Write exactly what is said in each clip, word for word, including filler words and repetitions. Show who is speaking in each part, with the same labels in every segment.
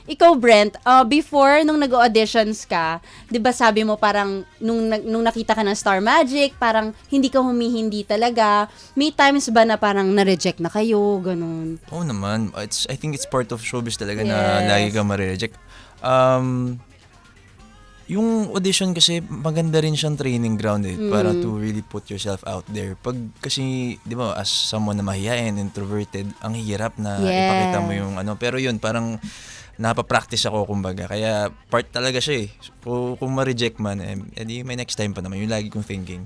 Speaker 1: Ikaw, Brent, uh, before, nung nag-auditions ka, di ba sabi mo parang, nung, nung nakita ka ng Star Magic, parang hindi ka humihindi talaga. May times ba na parang na-reject na kayo, ganun?
Speaker 2: Oo naman. It's, I think it's part of showbiz talaga
Speaker 1: Yes.
Speaker 2: na lagi ka ma-reject. Um, yung audition kasi, maganda rin siyang training ground eh,
Speaker 1: Mm.
Speaker 2: para to really put yourself out there. Pag kasi, di ba, as someone na mahihain, introverted, ang hirap na
Speaker 1: Yes.
Speaker 2: ipakita mo yung ano. Pero yun, parang napapractice ako kumbaga. Kaya part talaga siya eh. Kung, kung ma-reject man, eh, edi may next time pa naman. Yung lagi kong thinking.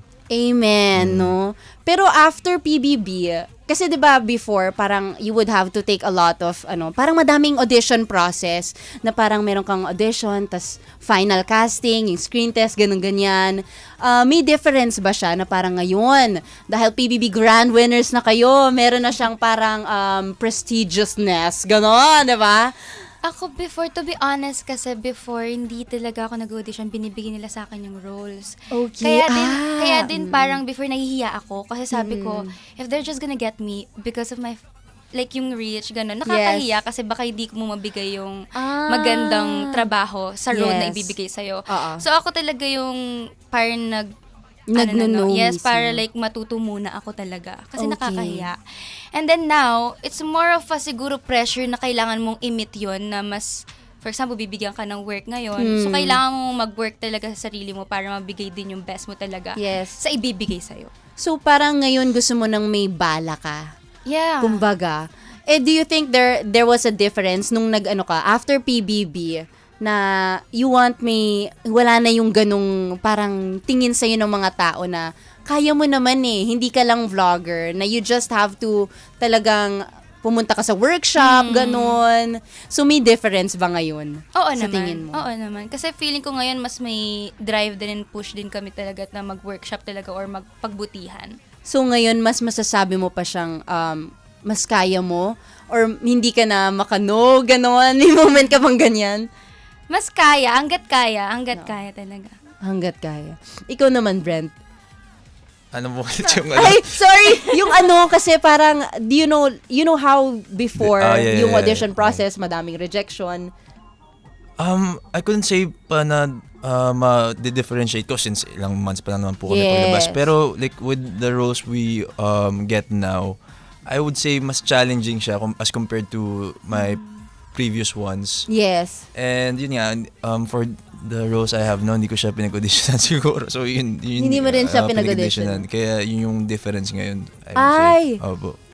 Speaker 1: Amen, no? Pero after P B B, kasi 'di ba before parang you would have to take a lot of ano, parang madaming audition process na parang meron kang audition tas final casting, yung screen test, ganun ganyan. Uh, may difference ba siya na parang ngayon dahil P B B grand winners na kayo, meron na siyang parang um, prestigiousness, ganun, 'di ba?
Speaker 3: Ako before, to be honest, kasi before, hindi talaga ako nag-audition, binibigyan nila sa akin yung roles.
Speaker 1: Okay.
Speaker 3: Kaya din,
Speaker 1: Ah,
Speaker 3: kaya din
Speaker 1: mm.
Speaker 3: parang before nahihiya ako, kasi sabi ko, if they're just gonna get me because of my, like yung reach, gano'n, nakakahiya kasi baka hindi ko mo mabigay yung
Speaker 1: Ah.
Speaker 3: magandang trabaho sa role na
Speaker 1: Yes.
Speaker 3: ibibigay sa'yo.
Speaker 1: Oo.
Speaker 3: So ako talaga yung parang nag,
Speaker 1: Nagno-know
Speaker 3: ano na, no? Yes,
Speaker 1: mismo.
Speaker 3: para like matuto muna ako talaga. Kasi
Speaker 1: Okay.
Speaker 3: nakakahiya. And then now, it's more of a siguro pressure na kailangan mong i-meet yun na mas, for example, bibigyan ka ng work ngayon. So,
Speaker 1: Hmm.
Speaker 3: kailangan mong mag-work talaga sa sarili mo para mabigay din yung best mo talaga
Speaker 1: Yes.
Speaker 3: sa ibibigay sa'yo.
Speaker 1: So parang ngayon gusto mo nang may bala ka.
Speaker 3: Yeah.
Speaker 1: Kumbaga. Eh, do you think there there was a difference nung nag-ano ka, after P B B, na you want me, wala na yung ganung parang tingin sa'yo ng mga tao na kaya mo naman eh, hindi ka lang vlogger, na you just have to talagang pumunta ka sa workshop, ganun. So, may difference ba ngayon?
Speaker 3: Oo
Speaker 1: sa
Speaker 3: naman.
Speaker 1: tingin mo?
Speaker 3: Oo naman. Kasi feeling ko ngayon mas may drive din and push din kami talaga na mag-workshop talaga or magpagbutihan.
Speaker 1: So, ngayon, mas masasabi mo pa siyang um, mas kaya mo? Or hindi ka na makano, ganon? May moment ka bang ganyan?
Speaker 3: Mas kaya, hanggat kaya, hanggat kaya talaga.
Speaker 1: Hanggat kaya. Ikaw naman, Brent.
Speaker 2: Ano mo ulit yung ano?
Speaker 1: Ay, sorry! Yung ano, kasi parang, do you know, you know how before,
Speaker 2: Ah, yeah,
Speaker 1: yung
Speaker 2: yeah,
Speaker 1: audition
Speaker 2: yeah.
Speaker 1: process, madaming rejection.
Speaker 2: Um, I couldn't say pa na uh, ma-differentiate ko since ilang months pa lang naman po kami
Speaker 1: Yes.
Speaker 2: paglabas. Pero like with the roles we um, get now, I would say mas challenging siya com- as compared to my previous ones.
Speaker 1: Yes.
Speaker 2: And yun nga, um, for the roles I have now, hindi ko siya pinag-auditionan siguro. So yun, yun
Speaker 1: Hindi mo rin siya
Speaker 2: uh,
Speaker 1: pinag-auditionan.
Speaker 2: Kaya yun yung difference ngayon, I would
Speaker 1: Ay!
Speaker 2: say. Opo.